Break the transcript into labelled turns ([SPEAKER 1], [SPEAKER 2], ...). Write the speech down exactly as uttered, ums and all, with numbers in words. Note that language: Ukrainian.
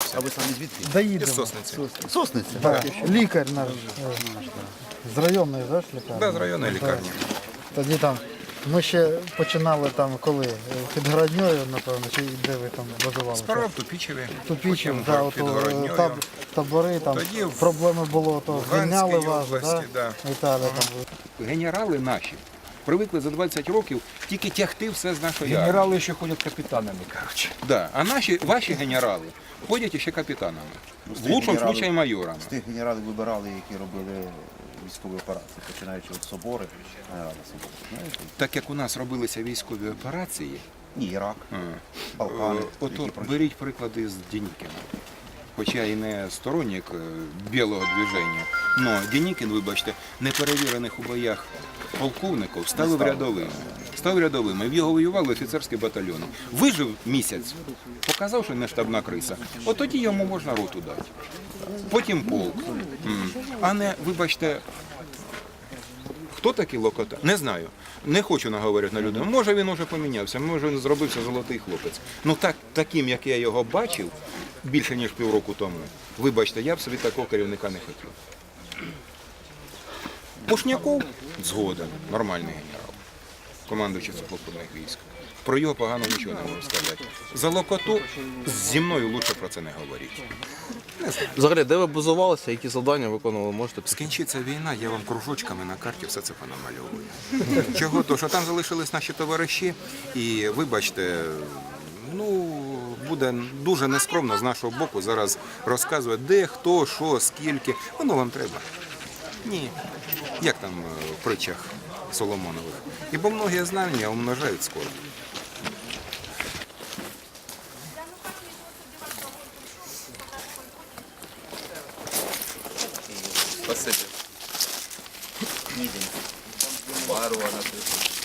[SPEAKER 1] А ви самі звідки?
[SPEAKER 2] Доїдемо.
[SPEAKER 3] Із Сосниці.
[SPEAKER 1] Сосниця?
[SPEAKER 2] Да. Лікар наш е, з районної, да, ж лікарні?
[SPEAKER 3] Да, з районної лікарні.
[SPEAKER 2] Тоді там ми ще починали там коли? Е, Під Городньою, напевно, чи де ви там базувалися?
[SPEAKER 3] Сперва в Тупічеві,
[SPEAKER 2] Тупічів,
[SPEAKER 3] потім
[SPEAKER 2] да,
[SPEAKER 3] під
[SPEAKER 2] ото,
[SPEAKER 3] Городньою.
[SPEAKER 2] таб, табори, там
[SPEAKER 3] Тоді в
[SPEAKER 2] проблеми було, то
[SPEAKER 3] Луганській
[SPEAKER 2] звільняли вас,
[SPEAKER 3] області,
[SPEAKER 2] да?
[SPEAKER 3] да.
[SPEAKER 2] Італія там.
[SPEAKER 3] Генерали наші привикли за двадцять років тільки тягти все з нашої армії.
[SPEAKER 4] Генерали ще ходять капітанами, коротше.
[SPEAKER 3] Да. А наші, ваші генерали ходять іще капітанами. В лучшому случаї майорами.
[SPEAKER 1] З тих генералів вибирали, які робили військові операції, починаючи від собори, генерали собори. Знаєте?
[SPEAKER 3] Так як у нас робилися військові операції,
[SPEAKER 1] Ні, Ірак,
[SPEAKER 3] а,
[SPEAKER 1] Балкани.
[SPEAKER 3] Е, Ото
[SPEAKER 1] які пройшли.
[SPEAKER 3] беріть приклади з Денікіна. Хоча і не сторонник е, білого движення, але Денікін, вибачте, неперевірених у боях полковників ставив рядовими. Став рядовими. В його воювали офіцерські батальйони. Вижив місяць, показав, що не штабна криса. От тоді йому можна роту дати. Потім полк. М. А не, вибачте, хто такий Локота? Не знаю. Не хочу наговорити на людину. Може він уже помінявся, може він зробився золотий хлопець. Ну так, таким, як я його бачив, більше ніж півроку тому, вибачте, я б собі такого керівника не хотів. Пушняков згоден, нормальний генерал, командуючий сухопутних військ. Про його погано нічого не можу сказати. За Локоту зі мною краще про це не говоріть.
[SPEAKER 5] Взагалі, де ви базувалися, які завдання виконували, можете?
[SPEAKER 3] Скінчиться війна, я вам кружочками на карті все це понамальовую. Чого? То, що там залишились наші товариші, і вибачте, ну, буде дуже нескромно з нашого боку зараз розказувати, де, хто, що, скільки. Воно вам треба. Ні. Як там е, в притчах Соломонових. Ібо многі знання умножають скоро.
[SPEAKER 6] Спасибо. Пару, она